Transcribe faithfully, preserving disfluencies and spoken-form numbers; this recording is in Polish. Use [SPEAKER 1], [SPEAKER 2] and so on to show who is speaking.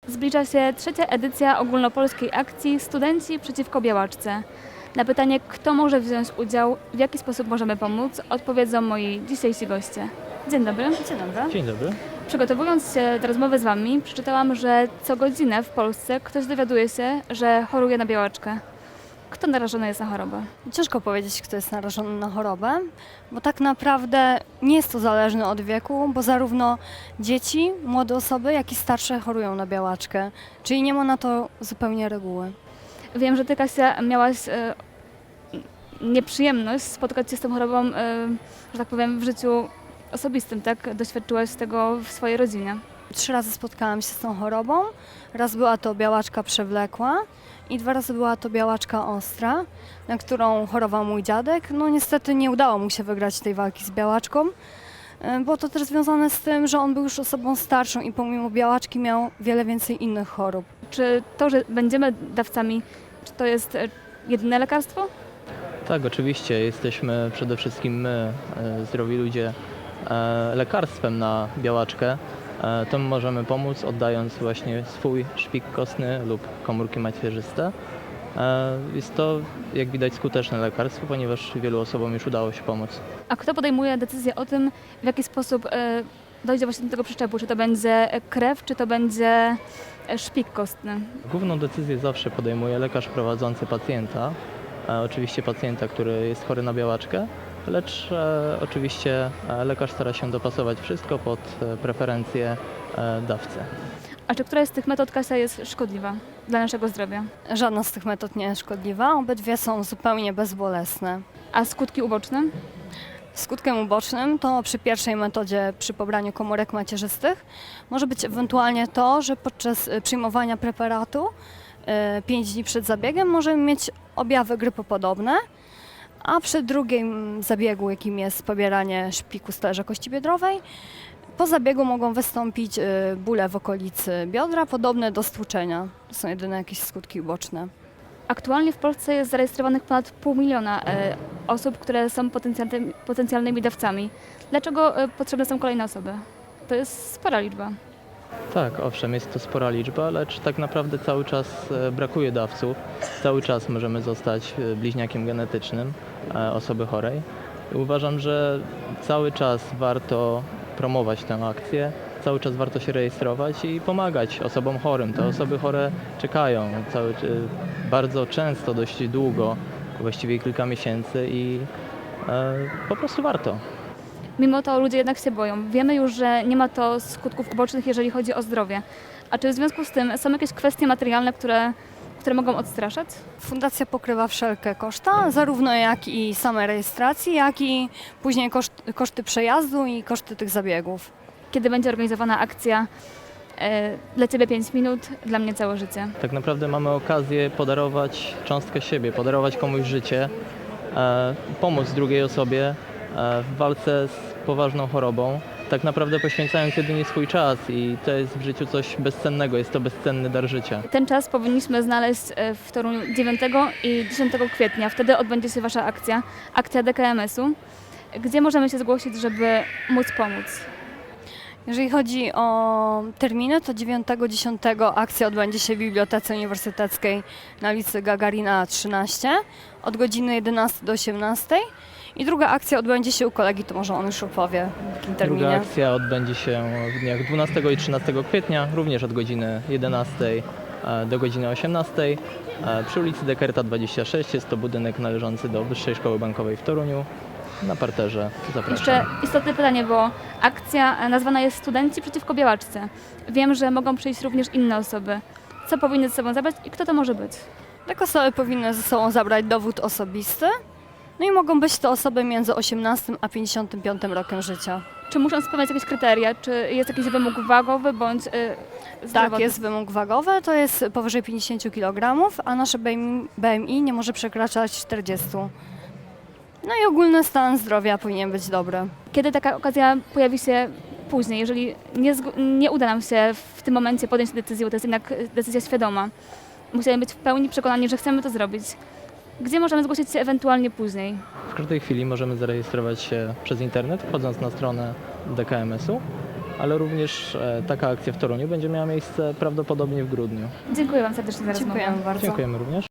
[SPEAKER 1] Zbliża się trzecia edycja ogólnopolskiej akcji Studenci przeciwko białaczce. Na pytanie, kto może wziąć udział, w jaki sposób możemy pomóc, odpowiedzą moi dzisiejsi goście. Dzień dobry. Dzień dobry.
[SPEAKER 2] Dzień dobry.
[SPEAKER 1] Przygotowując się do rozmowy z Wami, przeczytałam, że co godzinę w Polsce ktoś dowiaduje się, że choruje na białaczkę. Kto narażony jest na chorobę?
[SPEAKER 3] Ciężko powiedzieć, kto jest narażony na chorobę, bo tak naprawdę nie jest to zależne od wieku, bo zarówno dzieci, młode osoby, jak i starsze chorują na białaczkę, czyli nie ma na to zupełnie reguły.
[SPEAKER 1] Wiem, że Ty, Kasia, miałaś e, nieprzyjemność spotkać się z tą chorobą, e, że tak powiem, w życiu osobistym, tak? Doświadczyłaś tego w swojej rodzinie.
[SPEAKER 3] Trzy razy spotkałam się z tą chorobą. Raz była to białaczka przewlekła i dwa razy była to białaczka ostra, na którą chorował mój dziadek. No niestety nie udało mu się wygrać tej walki z białaczką. Było to też związane z tym, że on był już osobą starszą i pomimo białaczki miał wiele więcej innych chorób.
[SPEAKER 1] Czy to, że będziemy dawcami, czy to jest e, jedyne lekarstwo?
[SPEAKER 2] Tak, oczywiście jesteśmy przede wszystkim my, e, zdrowi ludzie, e, lekarstwem na białaczkę. E, To my możemy pomóc, oddając właśnie swój szpik kostny lub komórki macierzyste. E, Jest to, jak widać, skuteczne lekarstwo, ponieważ wielu osobom już udało się pomóc.
[SPEAKER 1] A kto podejmuje decyzję o tym, w jaki sposób e, dojdzie właśnie do tego przyczepu? Czy to będzie krew, czy to będzie e, szpik kostny?
[SPEAKER 2] Główną decyzję zawsze podejmuje lekarz prowadzący pacjenta, e, oczywiście pacjenta, który jest chory na białaczkę, lecz e, oczywiście e, lekarz stara się dopasować wszystko pod e, preferencje e, dawcy.
[SPEAKER 1] A czy któraś z tych metod, Kasia, jest szkodliwa dla naszego zdrowia?
[SPEAKER 3] Żadna z tych metod nie jest szkodliwa, obydwie są zupełnie bezbolesne.
[SPEAKER 1] A skutki uboczne?
[SPEAKER 3] Skutkiem ubocznym to przy pierwszej metodzie, przy pobraniu komórek macierzystych, może być ewentualnie to, że podczas y, przyjmowania preparatu pięć dni przed zabiegiem możemy mieć objawy grypopodobne, a przy drugim zabiegu, jakim jest pobieranie szpiku sterza kości biodrowej, po zabiegu mogą wystąpić y, bóle w okolicy biodra, podobne do stłuczenia. To są jedyne jakieś skutki uboczne.
[SPEAKER 1] Aktualnie w Polsce jest zarejestrowanych ponad pół miliona e, osób, które są potencjalnymi, potencjalnymi dawcami. Dlaczego e, potrzebne są kolejne osoby? To jest spora liczba.
[SPEAKER 2] Tak, owszem, jest to spora liczba, lecz tak naprawdę cały czas e, brakuje dawców. Cały czas możemy zostać e, bliźniakiem genetycznym e, osoby chorej. I uważam, że cały czas warto promować tę akcję, cały czas warto się rejestrować i pomagać osobom chorym. Te osoby chore czekają cały, e, bardzo często, dość długo, właściwie kilka miesięcy i e, po prostu warto.
[SPEAKER 1] Mimo to ludzie jednak się boją. Wiemy już, że nie ma to skutków ubocznych, jeżeli chodzi o zdrowie. A czy w związku z tym są jakieś kwestie materialne, które, które mogą odstraszać?
[SPEAKER 3] Fundacja pokrywa wszelkie koszta, zarówno jak i same rejestracji, jak i później koszt, koszty przejazdu i koszty tych zabiegów.
[SPEAKER 1] Kiedy będzie organizowana akcja e, dla Ciebie pięć minut, dla mnie całe życie?
[SPEAKER 2] Tak naprawdę mamy okazję podarować cząstkę siebie, podarować komuś życie, e, pomóc drugiej osobie e, w walce z poważną chorobą, tak naprawdę poświęcając jedynie swój czas i to jest w życiu coś bezcennego, jest to bezcenny dar życia.
[SPEAKER 1] Ten czas powinniśmy znaleźć e, w Toruniu dziewiątego i dziesiątego kwietnia. Wtedy odbędzie się Wasza akcja, akcja D K M S u. Gdzie możemy się zgłosić, żeby móc pomóc?
[SPEAKER 3] Jeżeli chodzi o terminy, to dziewiątego dziesiątego akcja odbędzie się w Bibliotece Uniwersyteckiej na ulicy Gagarina trzynaście od godziny jedenastej do osiemnastej i druga akcja odbędzie się u kolegi, to może on już opowie w jakim terminie.
[SPEAKER 2] Druga akcja odbędzie się w dniach dwunastego i trzynastego kwietnia, również od godziny jedenastej e, do godziny osiemnastej e, przy ulicy Dekerta dwadzieścia sześć. Jest to budynek należący do Wyższej Szkoły Bankowej w Toruniu. Na parterze. Zapraszam.
[SPEAKER 1] Jeszcze istotne pytanie, bo akcja nazwana jest Studenci przeciwko białaczce. Wiem, że mogą przyjść również inne osoby. Co powinny ze sobą zabrać i kto to może być?
[SPEAKER 3] Tak, osoby powinny ze sobą zabrać dowód osobisty, no i mogą być to osoby między osiemnastym a pięćdziesiątym piątym rokiem życia.
[SPEAKER 1] Czy muszą spełniać jakieś kryteria? Czy jest jakiś wymóg wagowy bądź yy, zdrowotny?
[SPEAKER 3] Tak, jest wymóg wagowy, to jest powyżej pięćdziesiąt kilogramów, a nasze B M I nie może przekraczać czterdzieści. No i ogólny stan zdrowia powinien być dobry.
[SPEAKER 1] Kiedy taka okazja pojawi się później, jeżeli nie, zg- nie uda nam się w tym momencie podjąć decyzji, bo to jest jednak decyzja świadoma, musimy być w pełni przekonani, że chcemy to zrobić. Gdzie możemy zgłosić się ewentualnie później?
[SPEAKER 2] W każdej chwili możemy zarejestrować się przez internet, wchodząc na stronę D K M S u ale również e, taka akcja w Toruniu będzie miała miejsce prawdopodobnie w grudniu.
[SPEAKER 1] Dziękuję Wam serdecznie za rozmowę.
[SPEAKER 3] Dziękujemy bardzo.
[SPEAKER 2] Dziękujemy również.